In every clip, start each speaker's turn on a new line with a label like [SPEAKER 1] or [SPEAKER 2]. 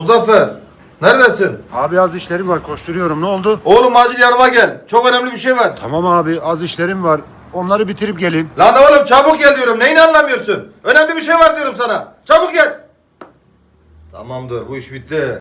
[SPEAKER 1] Muzaffer, neredesin?
[SPEAKER 2] Abi az işlerim var, koşturuyorum. Ne oldu?
[SPEAKER 1] Oğlum acil yanıma gel. Çok önemli bir şey var.
[SPEAKER 2] Tamam abi, az işlerim var. Onları bitirip geleyim.
[SPEAKER 1] Lan oğlum çabuk gel diyorum. Neyini anlamıyorsun? Önemli bir şey var diyorum sana. Çabuk gel. Tamamdır, bu iş bitti.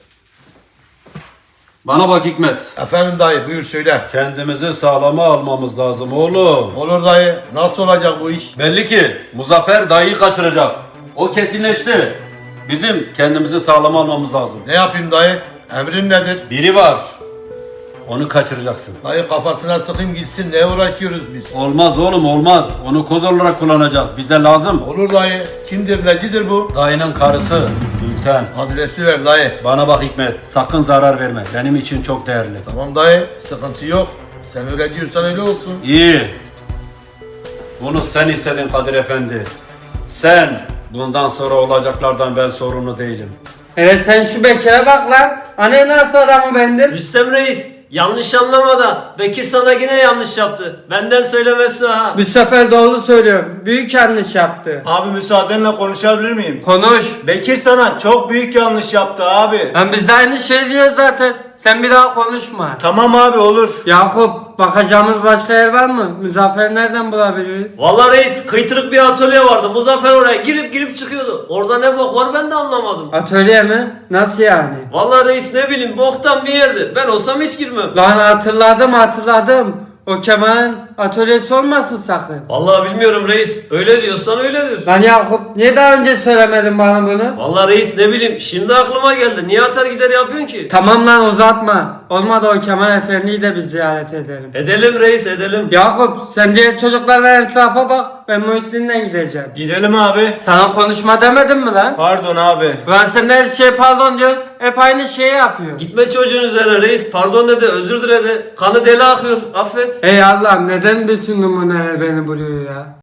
[SPEAKER 3] Bana bak Hikmet.
[SPEAKER 4] Efendim dayı buyur söyle.
[SPEAKER 3] Kendimizi sağlama almamız lazım oğlum.
[SPEAKER 4] Olur dayı. Nasıl olacak bu iş?
[SPEAKER 3] Belli ki Muzaffer dayıyı kaçıracak. O kesinleşti. Bizim kendimizi sağlama almamız lazım.
[SPEAKER 4] Ne yapayım dayı? Emrin nedir?
[SPEAKER 3] Biri var. Onu kaçıracaksın.
[SPEAKER 4] Dayı kafasına sıkayım gitsin. Ne uğraşıyoruz biz?
[SPEAKER 3] Olmaz oğlum olmaz. Onu koz olarak kullanacağız. Bize lazım.
[SPEAKER 4] Olur dayı. Kimdir necidir bu?
[SPEAKER 3] Dayının karısı Gülten.
[SPEAKER 4] Adresi ver dayı.
[SPEAKER 3] Bana bak Hikmet. Sakın zarar verme. Benim için çok değerli.
[SPEAKER 4] Tamam dayı. Sıkıntı yok. Sen öyle diyorsan öyle olsun.
[SPEAKER 3] İyi. Bunu sen istedin Kadir Efendi. Sen. Bundan sonra olacaklardan ben sorumlu değilim.
[SPEAKER 5] Evet sen şu Bekir'e bak lan. Hani nasıl adamı bendim?
[SPEAKER 6] Rüstem Reis, yanlış anlama da Bekir sana yine yanlış yaptı. Benden söylemesi ha.
[SPEAKER 5] Bu sefer doğru söylüyorum. Büyük yanlış yaptı.
[SPEAKER 7] Abi müsaadenle konuşabilir miyim?
[SPEAKER 5] Konuş.
[SPEAKER 7] Bekir sana çok büyük yanlış yaptı abi.
[SPEAKER 5] Lan biz de aynı şey diyoruz zaten. Sen bir daha konuşma.
[SPEAKER 7] Tamam abi olur.
[SPEAKER 5] Yakup, bakacağımız başka yer var mı? Muzaffer'i nereden bulabiliriz?
[SPEAKER 6] Vallahi reis, kıytırık bir atölye vardı. Muzaffer oraya girip çıkıyordu. Orada ne bok var ben de anlamadım.
[SPEAKER 5] Atölye mi? Nasıl yani?
[SPEAKER 6] Vallahi reis ne bileyim boktan bir yerdi. Ben olsam hiç girmem.
[SPEAKER 5] Lan hatırladım. O Kemal'in atölyesi olmasın sakın.
[SPEAKER 6] Vallahi bilmiyorum reis. Öyle diyorsan öyledir.
[SPEAKER 5] Lan Yakup, niye daha önce söylemedin bana bunu?
[SPEAKER 6] Vallahi reis ne bileyim şimdi aklıma geldi. Niye atar gider yapıyorsun ki?
[SPEAKER 5] Tamam lan uzatma. Olmadı o Kemal Efendi'yi de bir ziyaret edelim.
[SPEAKER 6] Edelim reis edelim.
[SPEAKER 5] Yakup, sen diğer çocuklarla etrafa bak. Ben Muhittin'le gideceğim.
[SPEAKER 7] Gidelim abi.
[SPEAKER 5] Sana konuşma demedim mi lan?
[SPEAKER 7] Pardon abi.
[SPEAKER 5] Lan sen de her şeye pardon diyorsun. Hep aynı şeyi yapıyor.
[SPEAKER 6] Gitme çocuğun üzerine reis. Pardon dedi, özür diledi. Kanı deli akıyor. Affet.
[SPEAKER 5] Ey Allah'ım, neden bütün numuneler beni buluyor ya?